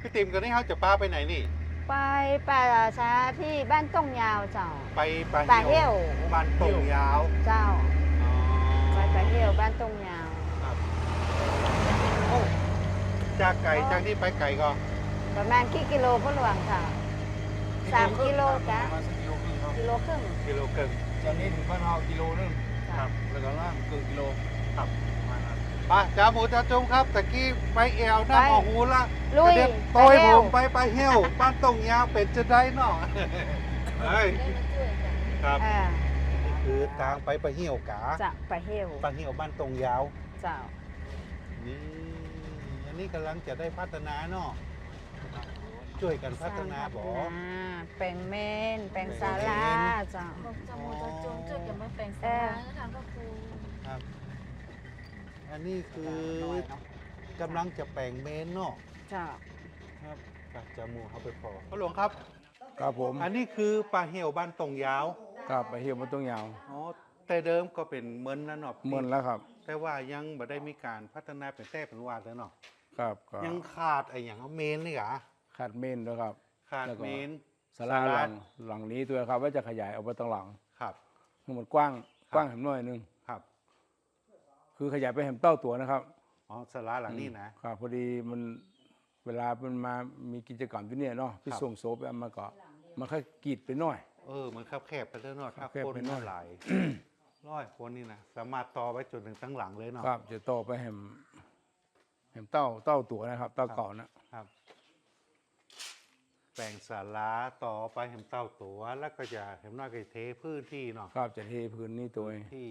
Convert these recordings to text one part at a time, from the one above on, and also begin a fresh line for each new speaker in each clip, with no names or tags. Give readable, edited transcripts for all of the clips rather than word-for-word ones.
พี่ติ๋มกันนี่เขาจะป้าไปไหนนี่
ไปป่าช้าที่บ้านต้งยาวเจ้า
ไป
ป่าเหี้ยว
บ้านตรงยาว
เจ้า
อ๋อ
ไปป่าเหี้ยวบ้านต้งยาว
ครับโอ้จากไก่จากนี่ไปไก่ก็
ประมาณกี่กิโลพ่อหลวงค่ะ3 กิโลจ้ะ
ประมาณสักกิโลครึ่งครับ
1.5 กิโล
กิโลเกิน
จากนี้ถึงบ้านเรากิโลนึง
ครับ
แล้วก็ล่างเกือบกิโล
ครับ
ประมาณนั้น
ไปจ้าหมูจ้าจุ้มครับตะกี้ไปแอวหน้าหมอหูละ
ลุย
เดี๋ยวโตยผมไปเหี้ยวบ้านตรงยาวเป็นจะได้เนาะเฮ้ยครับ
อ่า
นี่คือทางไปเหี้ยวกา
จะป่าเหี้ยว
ไปเหี้ยวบ้านตรงยาว
เจ้า
นี่อันนี้กำลังจะได้พัฒนาเนาะช่วยกันพัฒนาบ่
แปลงเมนแปลงศาลาเจ้า
บอกจมูกจะจูงจุดอย่ามาแปลงสาราแล้วทางก็ครู
ครับ อันนี้คือกำลังจะแปลงเมนเนาะ
เจ้า
ครับกับจมูกเขาไปพอพ่อหลวงครับ
ครับผม
อันนี้คือปลาเหี่ยวบ้านตรงยาว
ครับไปเหี่ยวมันต้องยาว
อ๋อแต่เดิมก็เป็นเมินนะเนาะ
เหมือนแล้วครับ
แต่ว่ายังบ่ได้มีการพัฒนาเป็นแท้เป็นวาดแล้วเนาะ
ครับก็
ยังขาดไอ้อย่างเอาเมนนี่หรอ
ขาดเมนด้วยครับ
ขาด
แล้วก็
เมน
ศาลาหลังนี้ตัวครับว่าจะขยายออกไปตรงหลัง
ครับ
ให้มันกว้างแหมหน่อยนึง
ครับ
คือขยายไปแหมเต้าตัวนะครับ
อ๋อศาลาหลังนี้นะ
ครับพอดีมันเวลามันมามีกิจกรรมที่เนี่ยเนาะพี่
ครับ
ส่งโซไปเอามาก็มันค่อยกรีดไปหน่อย
มันคับแคบไปเรื่อยๆถ้า
คับแคบ
คน
ไปหน่
มา
อย
หลาย ร้อยคนนี่นะสามารถต่อไปจนถึงตั้งหลังเลยเนาะ
ครับจะโตไปแหมเต้าตัวนะครับเต้าเก่านะครับ
แปลงศาลาต่อไปเห็นเต้าตัวแล้วก็จะเห็นน้อยก็จะเทพื้นที่เนาะ
ครับจะเทพื้นนี่ตัวเอง
ที่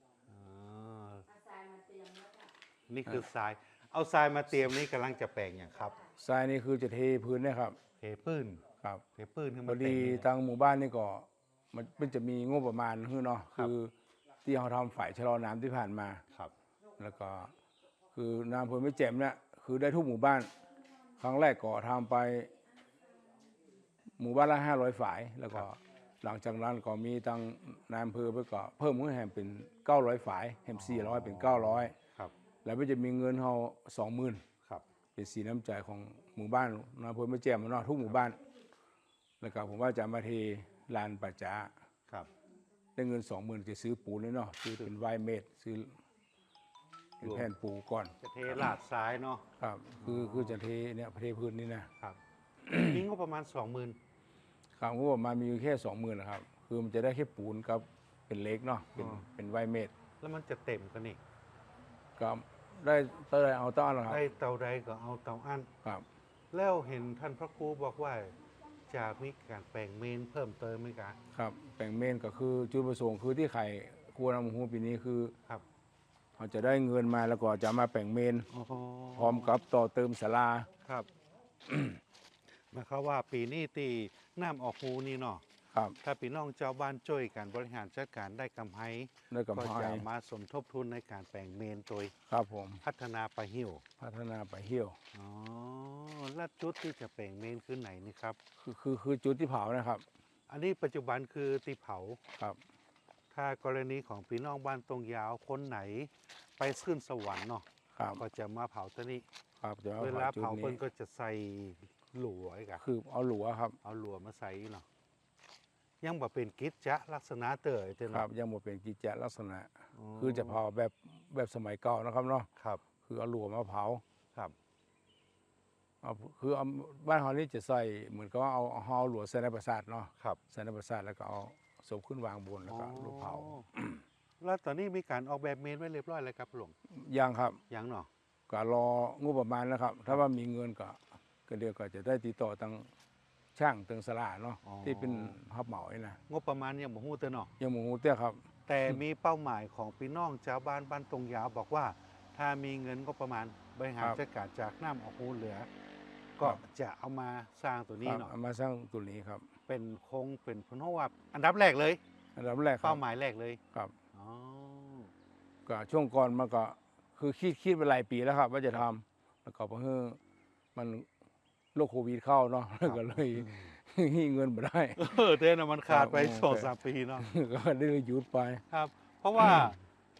นี่คือทราย เอาทรายมาเตรียมนี่กำลังจะแปลงอย่างครับ
ทรายนี่คือจะเทพื้นเนะครับ
เทพื้น
ครับ
เทพื้นให้
พ
มั
อน
เต็
ดี
ม
ทางหมู่บ้านนี่ก็มันจะมีงบประมาณคือเนาะ
ครับ
คือที่เขาทำฝ่ายชะลอน้ำที่ผ่านมา
ครับ
แล้วก็คือน้ำเพิ่นไม่แจ่มเนี่ยคือได้ทุกหมู่บ้าน ครั้งแรกก็ทำไปหมู่บ้านละ500ฝ่าย แล้วก็หลังจากนั้นก็มีทางนายอำเภอเพิ่นก็เพิ่มขึ้นแห่งเป็น900ฝ่ายแห่ง400เป็น900
ครับ
แล้วมันจะมีเงินเฮา20,000
ครับ
เป็นสีน้ำใจของหมู่บ้านนายอำเภอไม่แจ่มเนาะทุกหมู่บ้าน แล้วก็ผมว่าจะมาเทลานป่าช้า
ครับ
ได้เงิน20,000จะซื้อปูนเลยเนาะซื้อเป็นไวเมดซื้อเป็นแผ่นปูก่อน
จะเทลาดซ้ายเนาะ
ครับคือจะเทเนี่ยเทพื้นนี่นะครับ
นี่งบประมาณ 20,000
ครับก็บอกมามีอยู่แค่20,000นะครับ คือมันจะได้แค่ปูนกับเป็นเล็กเนาะเป็นไวเมด
แล้วมันจะเต็มกันนี่
ก็ได้เต้เอาต้อนนะครับ
ได้เตาใดก็เอาเตาอั้น
ครับ
แล้วเห็นท่านพระครูบอกว่าจะมีการแปลงเมนเพิ่มเติมไหมคะ
ครับแปลงเมนก็คือจุดประสงค์คือที่ไข่ครัวนำหูปีนี้คือ
ครับ
เขาจะได้เงินมาแล้วก็จะมาแปลงเมน
อ๋อ
พร้อมกับต่อเติมศาลา
ครับ หมายความว่าปีนี้ตีน้ำออกหูนี่เนาะ
ครับ
ถ้าพี่น้องเจ้าบ้านช่วยกันบริหารจัดการได้กำไร
ได้กับ
ก็
พา
จะ
ย
มาสมทบทุนในการแปลงเมนโดย
ครับผม
พัฒนาไปลาหิว
พัฒนาไปเหี่ยว
อ๋อแล้วจุดที่จะแปลงเมนคือไหนนี่ครับ
คือจุดที่เผานะครับ
อันนี้ปัจจุบันคือตีเผา
ครับ
ถ้ากรณีของพี่น้องบ้านตรงยาวคนไหนไปขึ้นสวรรค์เนาะ
ครับ
ก็จะมาเผาตัวนี้
ครับจะ
เวลา
จุด
เผา
นี้
เพิ่นก็จะใส่หลัวอีกอะ
คือเอาหลัวครับ
เอาหลัวมาใส่เนาะยังบ่เป็นกิจจะลักษณะเตยเจ้า
ครั
เนาะ
บยังหมดเป็นกิจจลักษณะ คือจะเผาแบบสมัยเก่านะครับเนาะ
ครับ
คือเอาหลัวมาเผา
ครับ
คือเอาบ้านเรานี่จะใส่เหมือนกับว่าเอาหลัวใส่ในประสาทเนาะ
ครับ
ใส่ในประสาทแล้วก็เอาศพขึ้นวางบนแล้วก็ลูกเผา
อ๋อแล้วตอนนี้มีการออกแบบเมนไว้เรียบร้อยแล้วครับหลวง
ยังครับ
ยังเนาะ
ก็รองบประมาณนะครับ ถ้าว่ามีเงินก็เดี๋ยวก็จะได้ติดต่อทางช่างทางสลาเนาะที่เป็นฮับเหมานี่นะ
งบประมาณยังบ่ฮู้เตอเนาะ
ยังหมูเตี้ยครับ
แต่มีเป้าหมายของพี่น้องชาวบ้านบ้านตรงยาวบอกว่า ถ้ามีเงินก็ประมาณบริหาร
ครับ
จัดการจากน้ำออกหูเหลือ ก็
ครับ
จะเอามาสร้างตัวนี้
ครับ
เนาะ
เอามาสร้างตัวนี้ครับ
เป็นโครงเป็นพนวัตอันดับแรกเลย
อันดับแรกครั
เป้า
บ
หมายแรกเลย
ครับ
อ๋อ
ก็ช่วงก่อนมันก็คือคิดไปหลายปีแล้วครับ ว่าจะทำแล้วก็เพิ่งมันโรคโควิดเข้าเนาะก็เลยเงินไม่ได้
เต้นมันขาดไป
ครับ
2-3 ปีเนาะ
ก็ได้หยุดไป
ครับ เพราะว่า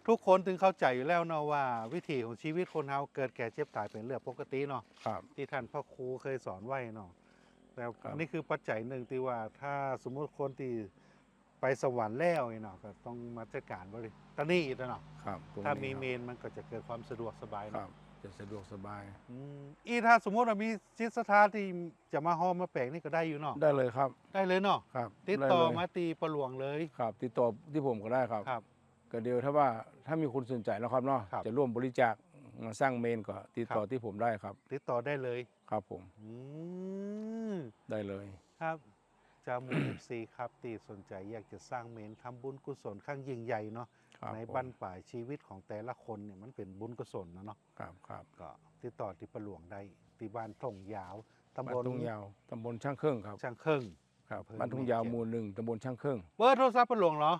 ทุกคนถึงเข้าใจอยู่แล้วเนาะว่าวิถีของชีวิตคนเฮาเกิดแก่เจ็บตายเป็นเรื่องปกติเนาะ
ครับ
ที่ท่านพ่อครูเคยสอนไว้เนาะแต่
ครับ
นี่คือปัจจัยหนึ่งที่ว่าถ้าสมมุติคนที่ไปสวรรค์แล้วเนาะก็ต้องมาจัดการบริตอนนี้อีกเนาะ
ครับตรง
ถ้ามี
นี้
เมนมันก็จะเกิดความสะดวกสบาย
ครั
เนาะ
บจะสะดวกสบาย
อีถ้าสมมติว่ามีจิตศรัทธาที่จะมาห้อมมาแปลงนี่ก็ได้อยู่เนาะ
ได้เลยครับ
ได้เลยเนาะ
ครับ
ติดต่อ
ได้เลย
มาตีประหลวงเลย
ครับติดต่อที่ผมก็ได้ครับ
ครับ
ก็เดียวถ้ามีคนสนใจนะครับเนาะ
ครับ
จะร่วมบริจาคมาสร้างเมนก็ติดต่อ
ครับ
ที่ผมได้ครับ
ติดต่อได้เลย
ครับผม
อืม
ได้เลย
ครับจามูเอฟซีครับตีสนใจอยากจะสร้างเมนทำบุญกุศลข้างยิ่งใหญ่เนาะ
ครับ
ใน
ผม
บั้นปลายชีวิตของแต่ละคนเนี่ยมันเป็นบุญกุศลนะเนาะ
ครับครับ
ก็ติดต่อที่ประหลวงได้ที่บ้านทงยาวตำ
บ้า
บ
น
ล
ทุ่งยาวตำบลช่างเครื่องครับ
ช่างเครื่อง
ครับ
อำเภอ
บ้านทุ่งยาว
แม่แจ่ม
หมู่หนึ่งตำบลช่างเครื่อง
เบอร์โทรศัพท์ประหลวงเหรอ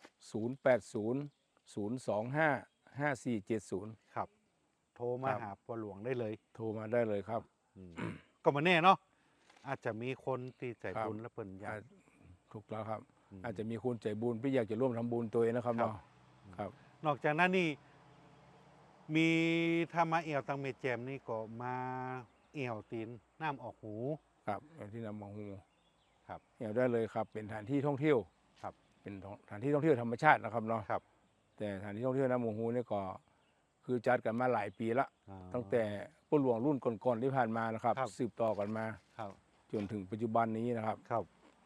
0800255470
ครับ โทรมา
ครับ
หาประหลวงได้เลย
โทรมาได้เลยครับ
อืมก็มาแน่เนาะอาจจะมีคนที่ใจ
ครับ
บุญและเปิ่นอยาก
ถูกแล้วครับ
ม
อาจจะมีคนใจบุญที่อยากจะร่วมทำบุญตัวเองนะครับ
ครับ
เนาะครับ
นอกจากนั้นนี่มีถ้ามาเอี่ยวตังเมแจมนี่ก็มาเอี่ยวตีนน้ำออกหู
ครับอย่างที่นำมาฮู
ครับ
เหี่ยวได้เลยครับ เป็นสถานที่ท่องเที่ยว
ครับ
เป็นสถานที่ท่องเที่ยวธรรมชาตินะครับเนาะ
ครับ
แต่สถานที่ท่องเที่ยวน้ำหมูฮูนี่ก็คือจัดกันมาหลายปีละ
อ๋อ
ตั้งแต่ผู้หลวงรุ่นก่อนๆที่ผ่านมานะครับ
ครับ
สืบต่อกันมา
ครับ
จนถึงปัจจุบันนี้นะครับ
ครับ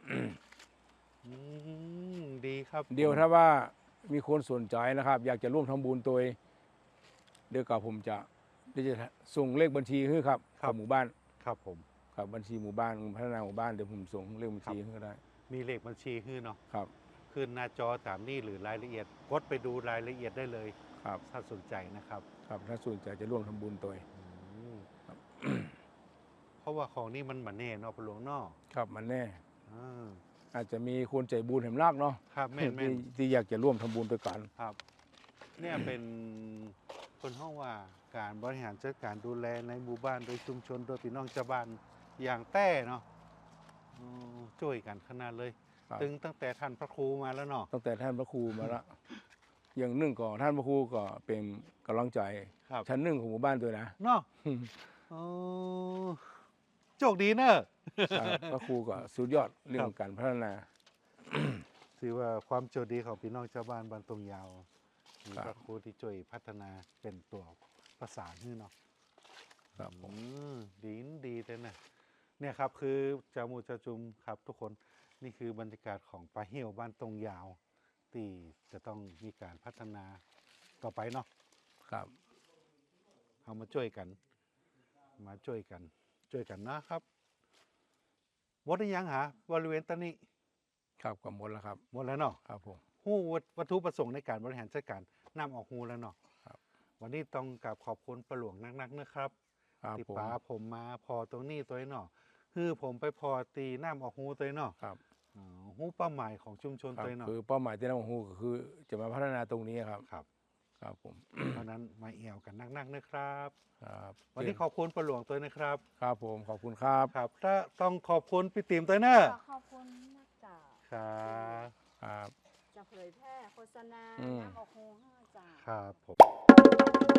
ดีครับ
เดียวถ้าว่ามีคนสนใจนะครับ อยากจะร่วมทำบุญตัวเองเดี๋ยวกับผมจะส่งเลขบัญชีให้ครับของหมู่บ้าน
ครับผม
ครับบัญชีหมู่บ้านพัฒนาหมู่บ้านเดี๋ยวผมส่งเลขบัญชีให้ก็ได้
มีเลขบัญชีขึ้นเนาะ
ครับ
ขึ้นหน้าจอตามนี่หรือรายละเอียดกดไปดูรายละเอียดได้เลย
ครับ
ถ้าสนใจนะครับ
ครับถ้าสนใจจะร่วมทำบุญตัวเอง
อืมเพราะว่าของนี่มันเหมือนแน่เนาะปลวงเนอก
ครับมันแน่
อ่า
อาจจะมีคนใจบุญแห่งรากเนาะ
ครับแม่นแม่น
ที่อยากจะร่วมทำบุญด้วยกัน
ครับ เนี่ยเป็นคนห้องว่าการบริหารจัดการดูแลในหมู่บ้านโดยชุมชนโดยพี่น้องชาวบ้านอย่างแต้เนาะอืมช่วยกันขนาดเลย
ครับ
ตั้งแต่ท่านพระครูมาแล้วเนาะ
ตั้งแต่ท่านพระครูมาละ อย่างหนึ่งก่อนท่านพระครูก็เป็นกำลังใจ
ครับ
ชั้นหนึ่งของหมู่บ้านด้วยนะ
เนาะอ๋อโชคดีเนอะ
ครับพระครูก็สุดยอดเรื่อ
ครั
ง
บ
การพัฒนา
ถือว่าความโชคดีของพี่น้องชาวบ้านบ้านตรงยาวมี
ครับ
พระครูที่ช่วยพัฒนาเป็นตัวประสานนี่เนาะ
ครับผม
ดีเลยนะเนี่ยครับคือจามูจาจุมครับทุกคนนี่คือบรรยากาศของปลาเหี่ยวบ้านตรงยาว ที่จะต้องมีการพัฒนาต่อไปเนาะ
ครับ
เอามาช่วยกัน ช่วยกันนะครับหมดหรือยังหาบริเวณตอนนี้
ครับก็หมดแล้วครับ
หมดแล้วเนาะ
ครับผม
หู้วัตถุประสงค์ในการบริหารจัดการน้ำออกหูแล้วเนาะ
ครับ
วันนี้ต้องกราบขอบคุณประหลวงนักๆนะครับ
ครับ
ที่
ผม
ป้าผมมาพอตรงนี้ตัวเนาะคือผมไปพอตีน้ำออกหูตัวเนาะ
ครับ
หูเป้าหมายของชุมชน
ครับ
ตัวเนาะ
คือเป้าหมายที่น้ำหูก็คือจะมาพัฒนาตรงนี้ครับ
ครับ
ครับผม
เพราะนั้นมาเอี่ยวกันนักๆนะครับ
ครับ
วันนี้ขอบคุณประหลวงตัวนะครับ
ครับผมขอบคุณครับ
ครับถ้าต้องขอบคุณพี่ติ๋มตัวเนอะ
ขอบคุณนักจ่า
ครับ
ครับ
จะเผยแพร่โฆษณา
อืม
น้ำออกหูห้าจ่า
ครับผม